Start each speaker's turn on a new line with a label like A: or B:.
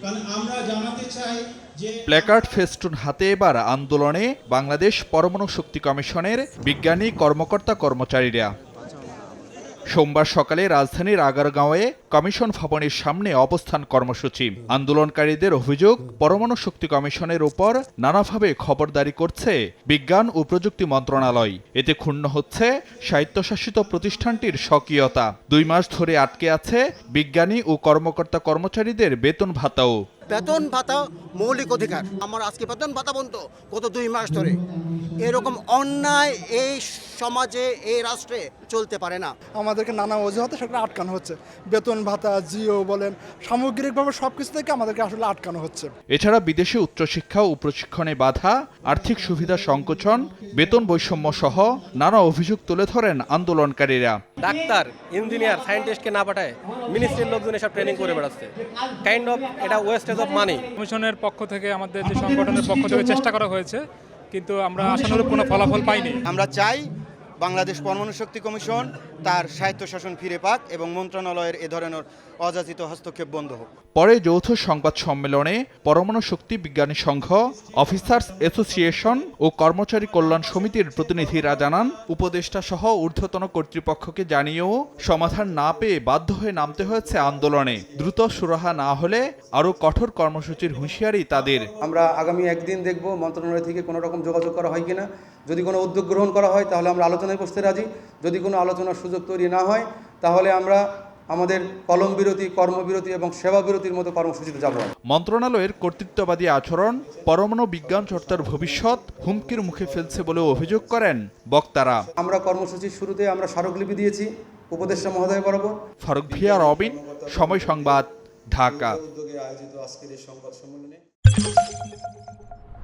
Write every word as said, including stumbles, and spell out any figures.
A: কারণ আমরা জানাতে চাই যে
B: প্ল্যাকার্ড ফেস্টুন হাতে এবার আন্দোলনে বাংলাদেশ পরমাণু শক্তি কমিশনের বিজ্ঞানী কর্মকর্তা কর্মচারীরা। সোমবার সকালে রাজধানীর আগারগাঁওয়ে কমিশন ভবনের সামনে অবস্থান কর্মসূচি। আন্দোলনকারীদের অভিযোগ, পরমাণু শক্তি কমিশনের উপর নানাভাবে খবরদারি করছে বিজ্ঞান ও প্রযুক্তি মন্ত্রণালয়। এতে ক্ষুণ্ণ হচ্ছে স্বায়ত্তশাসিত প্রতিষ্ঠানটির স্বকীয়তা। দুই মাস ধরে আটকে আছে বিজ্ঞানী ও কর্মকর্তা কর্মচারীদের বেতন ভাতাও।
C: বেতন ভাতা মৌলিক অধিকার। আমার আজকে বেতন ভাতা বন্ধ গত দুই মাস ধরে। এরকম অন্যায় এই সমাজে, এই রাষ্ট্রে চলতে পারে না।
D: আমাদেরকে নানা অজুহাতে সেটা আটকানো হচ্ছে। বেতন ভাতা, জিও বলেন, সামগ্রিকভাবে সবকিছু থেকে আমাদেরকে আসলে আটকানো হচ্ছে।
B: এছাড়া বিদেশে উচ্চশিক্ষা ও প্রশিক্ষণে বাধা, আর্থিক সুবিধা সংকোচন, বেতন বৈষম্য সহ নানা অভিযোগ তুলে ধরেন আন্দোলনকারীরা।
E: ডাক্তার, ইঞ্জিনিয়ার, সায়েন্টিস্টকে না পাঠায় মিনিস্ট্রির লোকজন এসব ট্রেনিং করে বেড়াচ্ছে। কাইন্ড অফ এটা ওয়েস্টেজ অফ মানি।
F: কমিশনের পক্ষ থেকে, আমাদের যে সংগঠনের পক্ষ থেকে চেষ্টা করা হয়েছে, কিন্তু আমরা আশানুরূপ কোনো ফলাফল পাইনি।
C: আমরা চাই বাংলাদেশ পরমাণু শক্তি কমিশন তার স্বায়ত্তশাসন ফিরে পাক এবং মন্ত্রণালয়ের এ ধরনের অযাচিত হস্তক্ষেপ বন্ধ হোক।
B: পরে যৌথ সংবাদ সম্মেলনে পরমাণু শক্তি বিজ্ঞানী সংঘ, অফিসার্স অ্যাসোসিয়েশন ও কর্মচারী কল্যাণ সমিতির প্রতিনিধিরা জানান, উপদেষ্টা সহ ঊর্ধ্বতন কর্তৃপক্ষকে জানিয়েও সমাধান না পেয়ে বাধ্য হয়ে নামতে হয়েছে আন্দোলনে। দ্রুত সুরাহা না হলে আরও কঠোর কর্মসূচির হুঁশিয়ারি তাদের।
G: আমরা আগামী একদিন দেখব মন্ত্রণালয় থেকে কোনো রকম যোগাযোগ করা হয় কিনা। যদি কোনো উদ্যোগ গ্রহণ করা হয় তাহলে আমরা আলোচনায় বসতে রাজি। যদি কোনো আলোচনার সুযোগ তৈরি না হয় তাহলে আমরা আমাদের কলম বিরতি, কর্মবিরতি এবং সেবা বিরতির মতো কর্মসূচিতে যাব।
B: মন্ত্রণালয়ের কর্তৃত্ববাদী আচরণ পরমাণু বিজ্ঞান চর্চার ভবিষ্যৎ হুমকির মুখে ফেলছে বলে অভিযোগ করেন বক্তারা।
G: আমরা কর্মসূচির শুরুতে আমরা স্মারকলিপি দিয়েছি উপদেষ্টা মহোদয় বরাবর।
B: ফারুক ভিয়া, রবিন, সময় সংবাদ, ঢাকা।